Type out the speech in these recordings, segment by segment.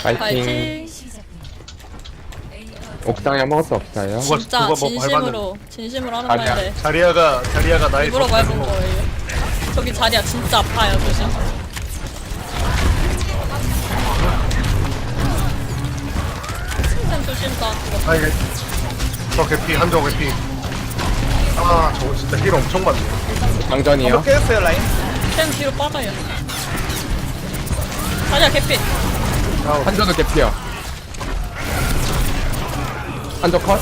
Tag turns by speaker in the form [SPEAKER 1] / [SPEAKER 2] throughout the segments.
[SPEAKER 1] 파이팅.
[SPEAKER 2] 파이팅.
[SPEAKER 1] 옥상에 아무것도 없어요.
[SPEAKER 2] 진짜
[SPEAKER 3] 누가 뭐
[SPEAKER 2] 진심으로 하는 말인데
[SPEAKER 3] 자리아가 나의
[SPEAKER 2] 일부러 밟은 거예요. 저기 자리야 진짜 아파요 조심. 쌤 조심 다 죽었어.
[SPEAKER 3] 아 이게 저 개피 한조 개피. 아 저거 진짜 힐 엄청 많네.
[SPEAKER 1] 장전이요.
[SPEAKER 4] 깨졌어요 라인.
[SPEAKER 2] 쌤 뒤로 빠져요. 자리야 개피.
[SPEAKER 1] 한조도 개피요. 한조 컷.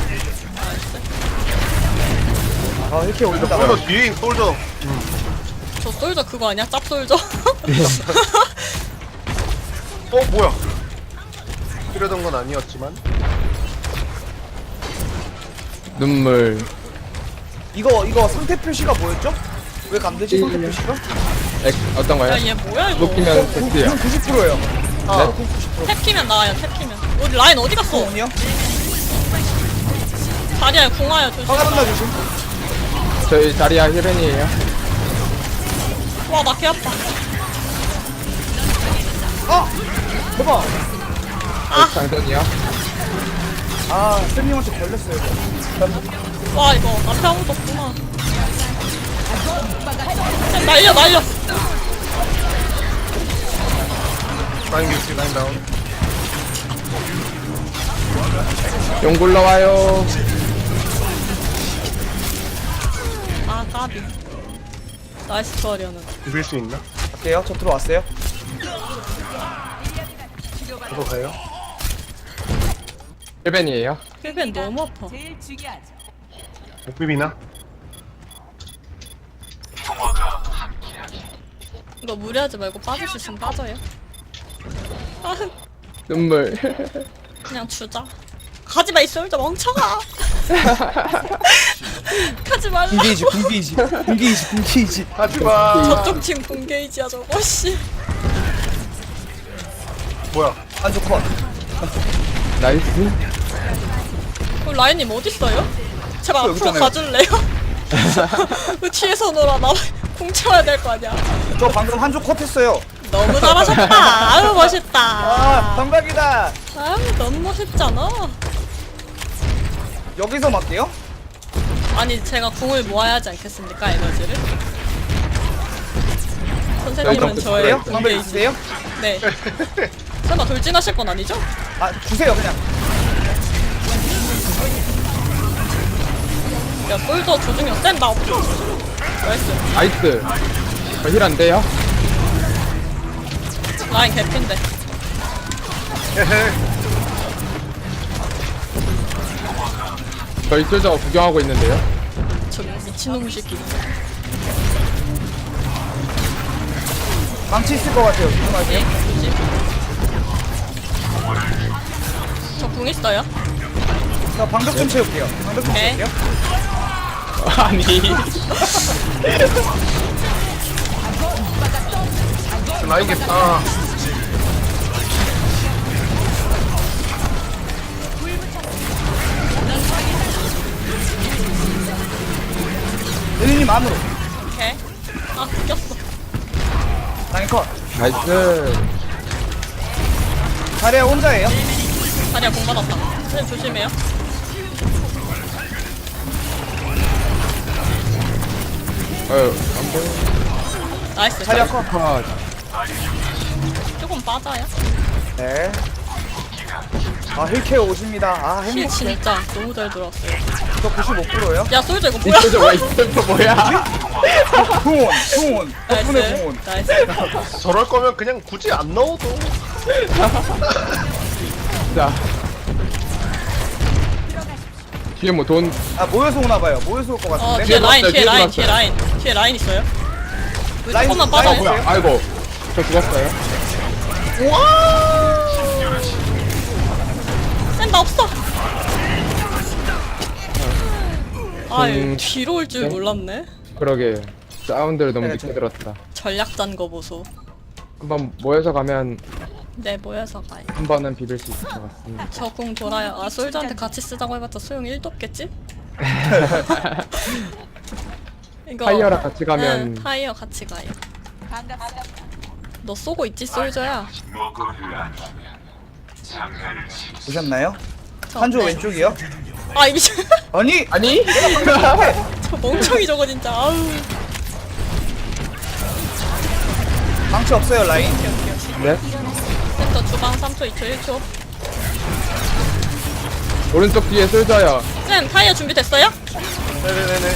[SPEAKER 4] 아 이렇게 올린다.
[SPEAKER 3] 솔저 뒤에 솔저.
[SPEAKER 2] 저 솔저 그거 아니야? 짭 솔저?
[SPEAKER 3] 뭐야? 이러던 건 아니었지만.
[SPEAKER 1] 눈물.
[SPEAKER 4] 이거 상태 표시가 뭐였죠? 왜 감되지 상태 표시가?
[SPEAKER 1] 어떤 거요?
[SPEAKER 2] 야얘 뭐야 이거?
[SPEAKER 1] 높이면 됐어요.
[SPEAKER 4] 90%예요.
[SPEAKER 1] 네?
[SPEAKER 2] 탭 키면 나와요 탭 키면. 우리 라인 어디 갔어?
[SPEAKER 4] 아니요?
[SPEAKER 2] 자리야 궁화야 조심.
[SPEAKER 4] 화가란다 조심.
[SPEAKER 1] 저희 자리야 힐벤이에요.
[SPEAKER 2] 와 나 개 아파.
[SPEAKER 4] 아! 대박!
[SPEAKER 1] 장전이요.
[SPEAKER 4] 아 쌤님한테 걸렸어요 이거.
[SPEAKER 2] 와 이거 앞에 아무도 없구나. 쌤 날려.
[SPEAKER 3] 라인 개피 라인 다운.
[SPEAKER 1] 용 굴러와요.
[SPEAKER 2] 아 까비. 나이스 투어리어는.
[SPEAKER 3] 비빌 수 있나?
[SPEAKER 4] 갈게요. 저 들어왔어요.
[SPEAKER 3] 저거 가요?
[SPEAKER 1] 힐벤이에요.
[SPEAKER 2] 힐벤 너무 아파.
[SPEAKER 3] 못 비비나?
[SPEAKER 2] 이거 무리하지 말고 빠질 수 있으면 빠져요. 아
[SPEAKER 1] 눈물.
[SPEAKER 2] 그냥 주자. 가지마 이 솔저 멍청아. 가지 말라.
[SPEAKER 4] 군기이지.
[SPEAKER 3] 하지마.
[SPEAKER 2] 저쪽 팀 공개이지야 저거 씨.
[SPEAKER 3] 뭐야?
[SPEAKER 4] 안좋 컷.
[SPEAKER 1] 나이스.
[SPEAKER 2] 그럼 라인님 어딨어요? 제발
[SPEAKER 4] 여기
[SPEAKER 2] 앞으로
[SPEAKER 4] 있잖아요.
[SPEAKER 2] 가줄래요? 왜 뒤에서 놀아 나 공쳐야 될 거 아니야.
[SPEAKER 4] 저 방금 한조 컷 했어요.
[SPEAKER 2] 너무 잘하셨다. 아유
[SPEAKER 4] 아
[SPEAKER 2] 멋있다.
[SPEAKER 4] 방박이다.
[SPEAKER 2] 아유 너무 멋있잖아.
[SPEAKER 4] 여기서 맞게요?
[SPEAKER 2] 아니 제가 궁을 모아야 하지 않겠습니까 에너지를? 선생님은
[SPEAKER 1] 저희
[SPEAKER 2] 저예요?
[SPEAKER 4] 방박
[SPEAKER 2] 공개이지.
[SPEAKER 4] 있으세요?
[SPEAKER 2] 네. 설마 돌진하실 건 아니죠?
[SPEAKER 4] 아 주세요 그냥.
[SPEAKER 2] 야 솔더 조중현 쌤나 없어. 나이스.
[SPEAKER 1] 나이스. 힐 안 돼요?
[SPEAKER 2] 라인 개핀데.
[SPEAKER 3] 헤헤.
[SPEAKER 1] 저희 솔저 구경하고 있는데요.
[SPEAKER 2] 저 미친놈 새끼.
[SPEAKER 4] 망치 있을 것 같아요. 조심하세요.
[SPEAKER 2] 예? 조심. 저궁 있어요?
[SPEAKER 4] 자 방벽 좀 채울게요. 방벽 좀
[SPEAKER 2] 네.
[SPEAKER 4] 채울게요.
[SPEAKER 1] 아니.
[SPEAKER 3] 라인 개피. 아.
[SPEAKER 4] 은희님 안으로.
[SPEAKER 2] 오케이. 아 웃겼어.
[SPEAKER 4] 라인 컷.
[SPEAKER 1] 나이스.
[SPEAKER 4] 자리야 혼자예요?
[SPEAKER 2] 다리야 공 받았다. 선생님 조심해요.
[SPEAKER 1] 안 보여.
[SPEAKER 2] 나이스.
[SPEAKER 4] 자리야 컷.
[SPEAKER 1] 컷.
[SPEAKER 2] 조금 빠져요.
[SPEAKER 4] 네. 아 힐케어 오십니다. 아
[SPEAKER 2] 힐
[SPEAKER 4] 행복해.
[SPEAKER 2] 진짜 너무 잘 들어왔어요.
[SPEAKER 4] 저 95%예요?
[SPEAKER 2] 야 솔저 이거
[SPEAKER 1] 이
[SPEAKER 2] 뭐야?
[SPEAKER 1] 솔저 왜 있어? 뭐야?
[SPEAKER 4] 풍원. 덕분에 풍원.
[SPEAKER 2] 나이스.
[SPEAKER 3] 저럴 거면 그냥 굳이 안 넣어도.
[SPEAKER 1] 자. 뒤에 뭐 돈.
[SPEAKER 4] 아 모여서 오나봐요. 모여서 올 것 같은데.
[SPEAKER 2] 뒤에 라인,
[SPEAKER 1] 들어왔어요,
[SPEAKER 2] 뒤에 라인,
[SPEAKER 1] 뒤에
[SPEAKER 2] 뒤에 라인, 뒤에 라인 있어요. 왜
[SPEAKER 4] 라인,
[SPEAKER 2] 조금만
[SPEAKER 4] 라인
[SPEAKER 2] 빠져요?
[SPEAKER 4] 뭐야?
[SPEAKER 1] 아이고. 저 죽었어요.
[SPEAKER 2] 쌤, 나 없어. 아,
[SPEAKER 1] 음,
[SPEAKER 2] 뒤로 올 줄
[SPEAKER 1] 네?
[SPEAKER 2] 몰랐네.
[SPEAKER 1] 그러게. 사운드를 너무
[SPEAKER 4] 네,
[SPEAKER 1] 늦게
[SPEAKER 4] 저-
[SPEAKER 1] 들었다.
[SPEAKER 2] 전략 짠 거 보소.
[SPEAKER 1] 한번 모여서 가면
[SPEAKER 2] 네, 모여서 가요.
[SPEAKER 1] 한 번은 비빌 수 있을 것 같습니다.
[SPEAKER 2] 저 궁 돌아요. 아, 솔저한테 같이 쓰자고 해봤자 소용 1도 없겠지? 이거
[SPEAKER 1] 타이어랑 같이 가면
[SPEAKER 2] 응, 타이어 같이 가요. 너 쏘고 있지, 솔저야?
[SPEAKER 4] 보셨나요?
[SPEAKER 2] 저,
[SPEAKER 4] 한조
[SPEAKER 2] 네.
[SPEAKER 4] 왼쪽이요?
[SPEAKER 2] 아, 이 미친.
[SPEAKER 4] 아니
[SPEAKER 1] 아니?
[SPEAKER 2] 저 멍청이 저거 진짜. 아우.
[SPEAKER 4] 망치 없어요 라인.
[SPEAKER 1] 네.
[SPEAKER 2] 센터 주방 3초, 2초, 1초.
[SPEAKER 1] 오른쪽 뒤에 솔져요.
[SPEAKER 2] 쌤, 타이어 준비됐어요?
[SPEAKER 3] 네네네네.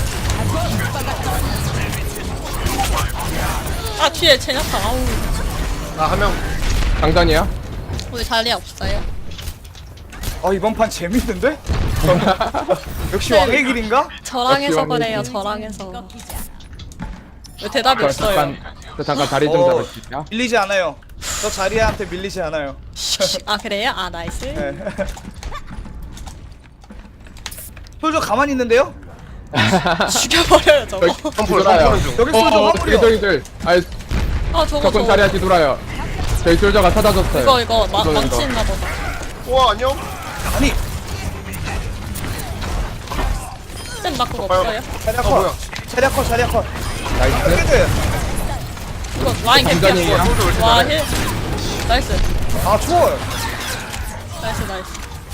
[SPEAKER 2] 아, 뒤에 제냐타. 아우.
[SPEAKER 3] 한 명.
[SPEAKER 1] 장단이야?
[SPEAKER 2] 우리 자리 없어요.
[SPEAKER 4] 이번 판 재밌는데? 역시
[SPEAKER 2] 네.
[SPEAKER 4] 왕의 길인가?
[SPEAKER 2] 저랑 해서
[SPEAKER 1] 역시
[SPEAKER 2] 그래요,
[SPEAKER 1] 왕이지.
[SPEAKER 2] 저랑 해서. 왜 대답이
[SPEAKER 1] 저
[SPEAKER 2] 없어요?
[SPEAKER 1] 잠깐 자리 좀 잡을 수 있냐?
[SPEAKER 4] 밀리지 않아요. 저 자리한테 밀리지 않아요.
[SPEAKER 2] 아, 그래요? 아, 나이스.
[SPEAKER 4] 네. 솔저 가만히 있는데요?
[SPEAKER 2] 죽여버려요, 저거.
[SPEAKER 3] 펌프를
[SPEAKER 1] 뒤돌아요.
[SPEAKER 3] 중.
[SPEAKER 4] 여기 솔저 화물이요.
[SPEAKER 1] 저기들. 아니,
[SPEAKER 2] 아, 저거,
[SPEAKER 1] 적군 자리야 뒤돌아요. 저희 솔져가 찾아줬어요.
[SPEAKER 2] 이거,
[SPEAKER 1] 이거는
[SPEAKER 2] 망치 있나 보다.
[SPEAKER 3] 우와 안녕.
[SPEAKER 4] 아니
[SPEAKER 2] 쌤, 나 그거 없어요?
[SPEAKER 4] 자리야
[SPEAKER 3] 뭐야?
[SPEAKER 4] 컷. 자리야 컷. 자리야 컷.
[SPEAKER 1] 나이스.
[SPEAKER 4] 헤드.
[SPEAKER 2] 이거 라인
[SPEAKER 1] 장전이에요?
[SPEAKER 2] 개피야. 와, 힐. 나이스.
[SPEAKER 4] 아 추워요.
[SPEAKER 2] 나이스, 나이스.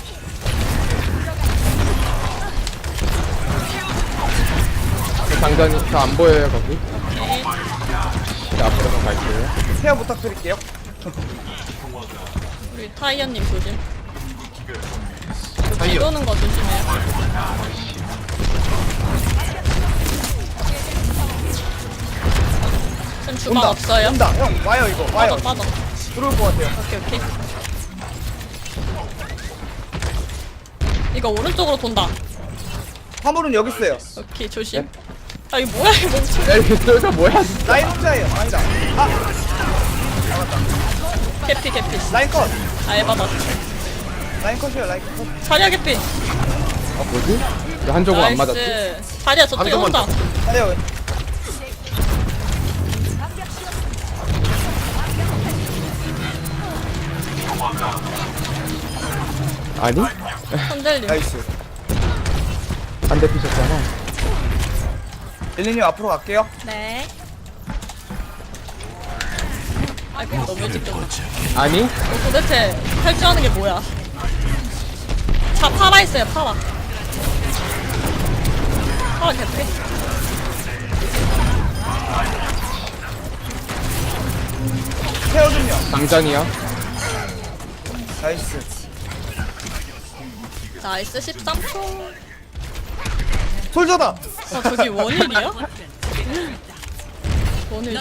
[SPEAKER 1] 장전이 저 안 보여요 거기.
[SPEAKER 2] 오케이.
[SPEAKER 1] 이제 앞으로 갈게요.
[SPEAKER 4] 태양 부탁드릴게요.
[SPEAKER 2] 우리 타이어님 조심.
[SPEAKER 3] 타이어.
[SPEAKER 2] 뒤도는 거 조심해요. 쌤 주방
[SPEAKER 4] 온다.
[SPEAKER 2] 없어요?
[SPEAKER 4] 온다. 형 와요 이거 와요.
[SPEAKER 2] 빠져.
[SPEAKER 4] 들어올 것 같아요.
[SPEAKER 2] 오케이. 이거 오른쪽으로 돈다.
[SPEAKER 4] 화물은 여기 있어요.
[SPEAKER 2] 오케이, 조심. 아, 이거 뭐야, 이 멍청.
[SPEAKER 1] 야 이게 솔져 뭐야?
[SPEAKER 4] 라인 혼자예요. 아니다. 아
[SPEAKER 2] 개피.
[SPEAKER 4] 라인 컷.
[SPEAKER 2] 아, 에바다.
[SPEAKER 4] 라인 컷이요. 라인 컷.
[SPEAKER 2] 자리야 개피.
[SPEAKER 1] 뭐지? 왜 한조금 안 맞았지?
[SPEAKER 2] 나이스. 자리야 저 뒤에
[SPEAKER 3] 한
[SPEAKER 2] 혼자.
[SPEAKER 4] 자리야.
[SPEAKER 1] 아니?
[SPEAKER 2] 선젤님.
[SPEAKER 4] 나이스.
[SPEAKER 1] 안 대피셨잖아.
[SPEAKER 4] 릴리님 앞으로 갈게요.
[SPEAKER 2] 네. 아이고, 너무 일찍 졌네.
[SPEAKER 1] 아니?
[SPEAKER 2] 도대체 탈주하는 게 뭐야? 자, 파라 있어요, 파라. 파라 개피.
[SPEAKER 4] 케어 좀요.
[SPEAKER 1] 장전이야?
[SPEAKER 4] 나이스.
[SPEAKER 2] 나이스 13초.
[SPEAKER 4] 솔저다.
[SPEAKER 2] 저기 원일이야? 원일.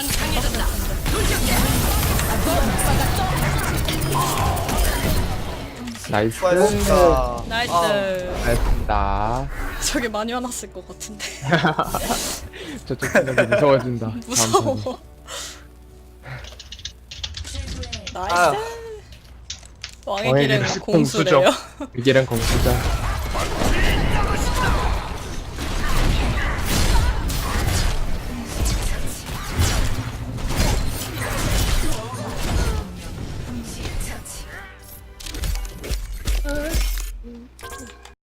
[SPEAKER 1] 나이스.
[SPEAKER 4] 수고하셨습니다.
[SPEAKER 2] 나이스.
[SPEAKER 1] 잘했습니다.
[SPEAKER 2] 저기 많이 화났을 것 같은데.
[SPEAKER 1] 저쪽 생각이 무서워진다. 다음
[SPEAKER 2] 무서워. 나이스.
[SPEAKER 4] 아.
[SPEAKER 2] 왕의
[SPEAKER 1] 왕의
[SPEAKER 2] 길은
[SPEAKER 1] 길은
[SPEAKER 2] 공수래요.
[SPEAKER 1] 위기는 공수자.